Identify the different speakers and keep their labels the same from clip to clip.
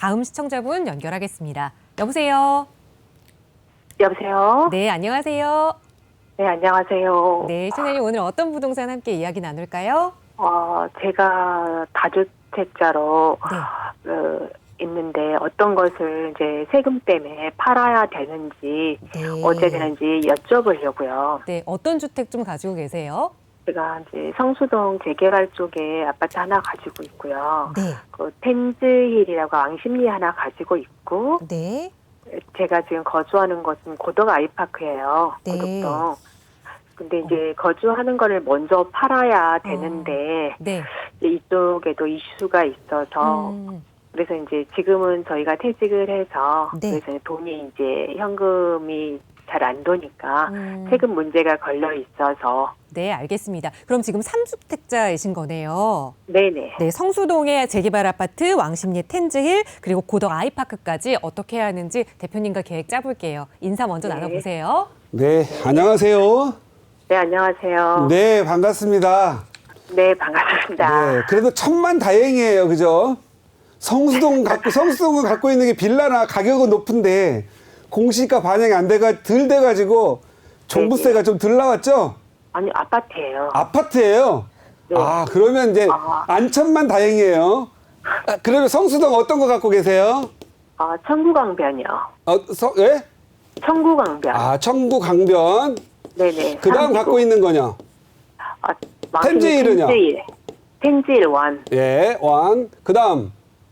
Speaker 1: 다음 시청자분 연결하겠습니다. 여보세요?
Speaker 2: 여보세요?
Speaker 1: 네, 안녕하세요.
Speaker 2: 네, 안녕하세요.
Speaker 1: 네, 시청자님 오늘 어떤 부동산 함께 이야기 나눌까요?
Speaker 2: 제가 다주택자로 있는데 어떤 것을 이제 세금 때문에 팔아야 되는지 어떻게 되는지 여쭤보려고요.
Speaker 1: 네, 어떤 주택 좀 가지고 계세요?
Speaker 2: 제가 이제 성수동 재개발 쪽에 아파트 하나 가지고 있고요.
Speaker 1: 네.
Speaker 2: 그 텐즈힐이라고 왕십리 하나 가지고 있고,
Speaker 1: 네.
Speaker 2: 제가 지금 거주하는 곳은 고덕 아이파크예요.
Speaker 1: 네.
Speaker 2: 고덕동. 근데 이제 거주하는 거를 먼저 팔아야 되는데
Speaker 1: 네.
Speaker 2: 이쪽에도 이슈가 있어서 그래서 이제 지금은 저희가 퇴직을 해서
Speaker 1: 네.
Speaker 2: 그래서 돈이 이제 현금이 잘 안 도니까 세금 문제가 걸려 있어서.
Speaker 1: 네, 알겠습니다. 그럼 지금 3주택자이신 거네요.
Speaker 2: 네네.
Speaker 1: 네, 성수동의 재개발 아파트, 왕십리 텐즈힐, 그리고 고덕 아이파크까지 어떻게 해야 하는지 대표님과 계획 짜볼게요. 인사 먼저
Speaker 2: 네.
Speaker 1: 나눠보세요.
Speaker 3: 네, 안녕하세요.
Speaker 2: 네, 안녕하세요.
Speaker 3: 네, 반갑습니다.
Speaker 2: 네, 반갑습니다.
Speaker 3: 네, 그래도 천만 다행이에요, 그죠? 성수동을 갖고 있는 게 빌라나 가격은 높은데 공시가 반영이 덜 돼가지고 종부세가 좀 덜 나왔죠?
Speaker 2: 아니, 아파트예요.
Speaker 3: 아파트예요.
Speaker 2: 네.
Speaker 3: 그러면 이제 안천만 다행이에요. 그러면 성수동 어떤 거 갖고 계세요?
Speaker 2: 청구강변이요.
Speaker 3: 예?
Speaker 2: 청구강변.
Speaker 3: 청구강변.
Speaker 2: 네네.
Speaker 3: 그다음 갖고 있는 거요? 텐즈힐은요?
Speaker 2: 텐즈힐 원.
Speaker 3: 예, 원. 그다음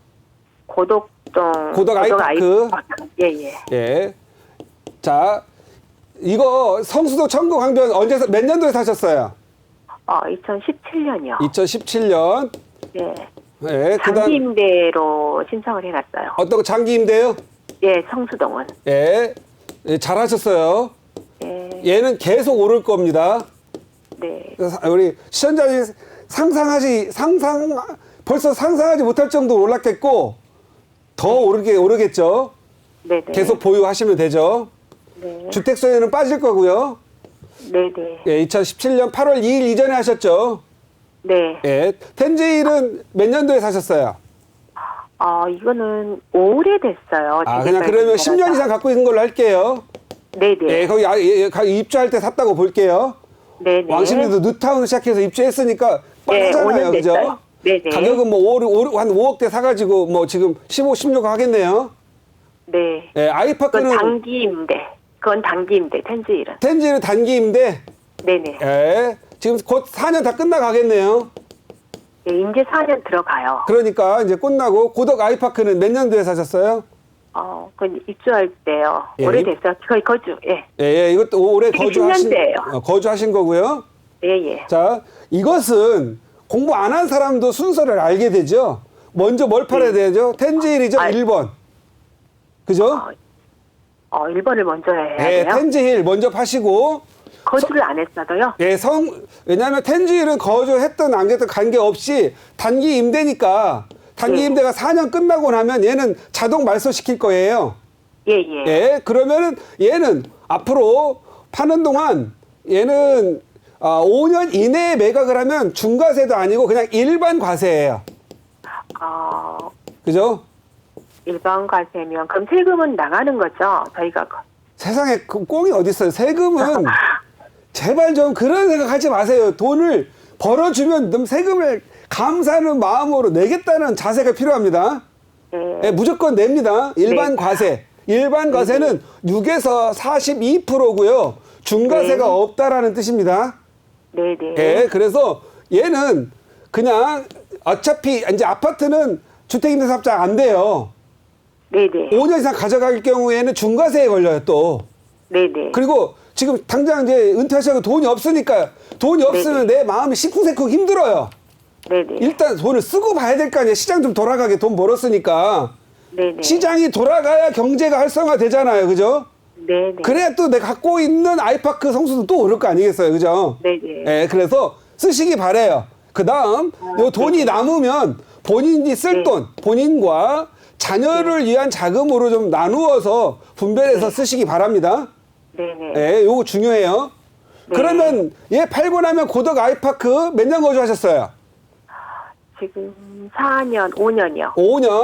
Speaker 3: 고덕 아이파크.
Speaker 2: 예예.
Speaker 3: 예. 자, 이거 성수도 청구강변 몇 년도에 사셨어요?
Speaker 2: 2017년이요.
Speaker 3: 2017년.
Speaker 2: 예.
Speaker 3: 예.
Speaker 2: 장기 임대로 신청을 해놨어요.
Speaker 3: 어떤 거 장기 임대요?
Speaker 2: 예, 성수동은.
Speaker 3: 예. 예, 잘하셨어요.
Speaker 2: 예.
Speaker 3: 얘는 계속 오를 겁니다.
Speaker 2: 네.
Speaker 3: 우리 시청자님 벌써 상상하지 못할 정도로 올랐겠고 더 오르겠죠.
Speaker 2: 네네.
Speaker 3: 계속 보유하시면 되죠.
Speaker 2: 네.
Speaker 3: 주택소유는 빠질 거고요.
Speaker 2: 네네.
Speaker 3: 예, 2017년 8월 2일 이전에 하셨죠.
Speaker 2: 네.
Speaker 3: 예, 텐즈힐은 몇 년도에 사셨어요?
Speaker 2: 이거는 오래됐어요.
Speaker 3: 그냥 그러면 10년 이상 갖고 있는 걸로 할게요.
Speaker 2: 네네.
Speaker 3: 예, 거기 입주할 때 샀다고 볼게요.
Speaker 2: 네네.
Speaker 3: 왕십리도 뉴타운 시작해서 입주했으니까 뻔하잖아요, 그죠?
Speaker 2: 네네.
Speaker 3: 가격은 뭐 한 5억대 사가지고 뭐 지금 15, 16억 하겠네요.
Speaker 2: 네.
Speaker 3: 예, 아이파크는
Speaker 2: 그건 단기 임대, 텐즈힐은.
Speaker 3: 텐즈힐은 단기 임대.
Speaker 2: 네네.
Speaker 3: 예, 지금 곧 4년 다 끝나가겠네요.
Speaker 2: 네, 이제 4년 들어가요.
Speaker 3: 그러니까 이제 끝나고 고덕 아이파크는 몇 년도에 사셨어요?
Speaker 2: 그건 입주할 때요.
Speaker 3: 예,
Speaker 2: 오래됐어요. 거의 거주. 예.
Speaker 3: 예, 이것도 올해
Speaker 2: 이게 10년대예요.
Speaker 3: 거주하신 거고요.
Speaker 2: 예예.
Speaker 3: 자, 이것은 공부 안 한 사람도 순서를 알게 되죠. 먼저 뭘 팔아야 되죠? 텐즈힐이죠, 1번. 그죠?
Speaker 2: 1번을 먼저 해야
Speaker 3: 예,
Speaker 2: 돼요?
Speaker 3: 텐즈힐 먼저 파시고.
Speaker 2: 거주를 안 했어도요?
Speaker 3: 예, 왜냐하면 텐즈힐은 거주했던 안 했던 관계없이 단기 임대니까 단기 임대가 4년 끝나고 나면 얘는 자동 말소시킬 거예요.
Speaker 2: 예예.
Speaker 3: 예, 그러면은 얘는 앞으로 파는 동안 얘는 5년 이내에 매각을 하면 중과세도 아니고 그냥 일반 과세예요. 그죠?
Speaker 2: 일반 과세면 그럼 세금은 나가는 거죠? 저희가
Speaker 3: 세상에 꽁이 어디 있어요? 세금은 제발 좀 그런 생각하지 마세요. 돈을 벌어주면 세금을 감사하는 마음으로 내겠다는 자세가 필요합니다. 예, 무조건 냅니다. 일반 과세. 일반 과세는 6에서 42%고요. 중과세가 없다라는 뜻입니다.
Speaker 2: 네네.
Speaker 3: 예, 그래서 얘는 그냥 어차피 이제 아파트는 주택임대사업자 안 돼요.
Speaker 2: 네네.
Speaker 3: 5년 이상 가져갈 경우에는 중과세에 걸려요, 또.
Speaker 2: 네네.
Speaker 3: 그리고 지금 당장 이제 은퇴하셔서 돈이 없으니까 돈이 없으면 내 마음이 시쿵시쿵 힘들어요.
Speaker 2: 네네.
Speaker 3: 일단 돈을 쓰고 봐야 될 거 아니에요. 시장 좀 돌아가게 돈 벌었으니까.
Speaker 2: 네네.
Speaker 3: 시장이 돌아가야 경제가 활성화 되잖아요. 그죠?
Speaker 2: 네네.
Speaker 3: 그래야 또 내가 갖고 있는 아이파크 성수도 또 오를 거 아니겠어요. 그죠?
Speaker 2: 네네.
Speaker 3: 예, 그래서 쓰시기 바래요. 그 다음, 요 돈이 남으면 본인이 쓸 돈, 본인과 자녀를 위한 자금으로 좀 나누어서 분배해서 쓰시기 바랍니다.
Speaker 2: 네네.
Speaker 3: 예, 요거 중요해요. 그러면 얘 팔고 나면 고덕 아이파크 몇 년 거주하셨어요?
Speaker 2: 지금 4년, 5년이요.
Speaker 3: 5년.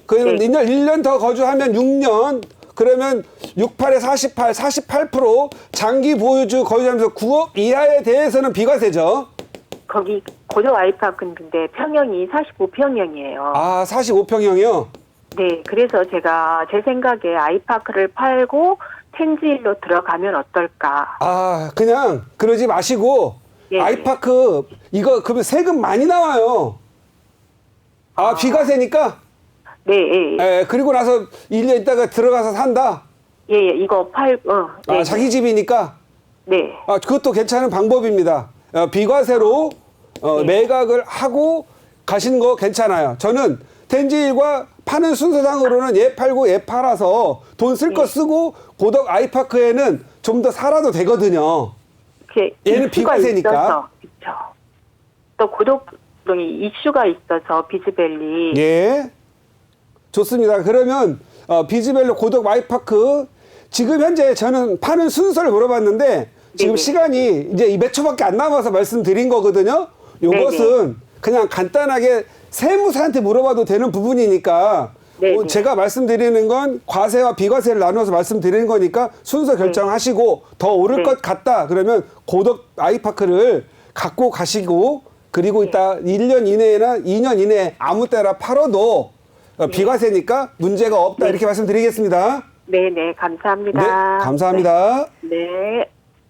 Speaker 3: 그러면
Speaker 2: 네.
Speaker 3: 1년 더 거주하면 6년. 그러면 68에 48, 48% 장기 보유주 거주하면서 9억 이하에 대해서는 비과세죠.
Speaker 2: 거기 고덕 아이파크인데 평형이 45평형이에요.
Speaker 3: 아, 45평형이요?
Speaker 2: 네, 그래서 제가 제 생각에 아이파크를 팔고 텐지일로 들어가면 어떨까?
Speaker 3: 아, 그냥 그러지 마시고
Speaker 2: 예.
Speaker 3: 아이파크 이거 그러면 세금 많이 나와요. 아, 비과세니까?
Speaker 2: 네, 예, 예.
Speaker 3: 예, 그리고 나서 1년 있다가 들어가서 산다?
Speaker 2: 예, 예, 이거 네,
Speaker 3: 아, 자기 집이니까?
Speaker 2: 네,
Speaker 3: 아, 그것도 괜찮은 방법입니다. 비과세로
Speaker 2: 네.
Speaker 3: 매각을 하고 가시는 거 괜찮아요. 저는 텐지일과 파는 순서상으로는 얘 팔고 얘 팔아서 돈 쓸 거
Speaker 2: 네.
Speaker 3: 쓰고 고덕 아이파크에는 좀 더 살아도 되거든요.
Speaker 2: 이렇게
Speaker 3: 얘는
Speaker 2: 이슈가
Speaker 3: 비과세니까.
Speaker 2: 있어서, 그렇죠. 또 고덕동이 이슈가 있어서 비즈밸리.
Speaker 3: 예. 좋습니다. 그러면 비즈밸리 고덕 아이파크 지금 현재 저는 파는 순서를 물어봤는데 지금
Speaker 2: 네네.
Speaker 3: 시간이 이제 몇 초밖에 안 남아서 말씀드린 거거든요. 요것은 그냥 간단하게 세무사한테 물어봐도 되는 부분이니까
Speaker 2: 네네.
Speaker 3: 제가 말씀드리는 건 과세와 비과세를 나눠서 말씀드리는 거니까 순서 결정하시고 더 오를
Speaker 2: 네.
Speaker 3: 것 같다 그러면 고덕 아이파크를 갖고 가시고 그리고 이따 1년 이내나 2년 이내에 아무 때나 팔아도 비과세니까 문제가 없다 이렇게 말씀드리겠습니다.
Speaker 2: 네, 네, 감사합니다.
Speaker 3: 네, 감사합니다.
Speaker 2: 네.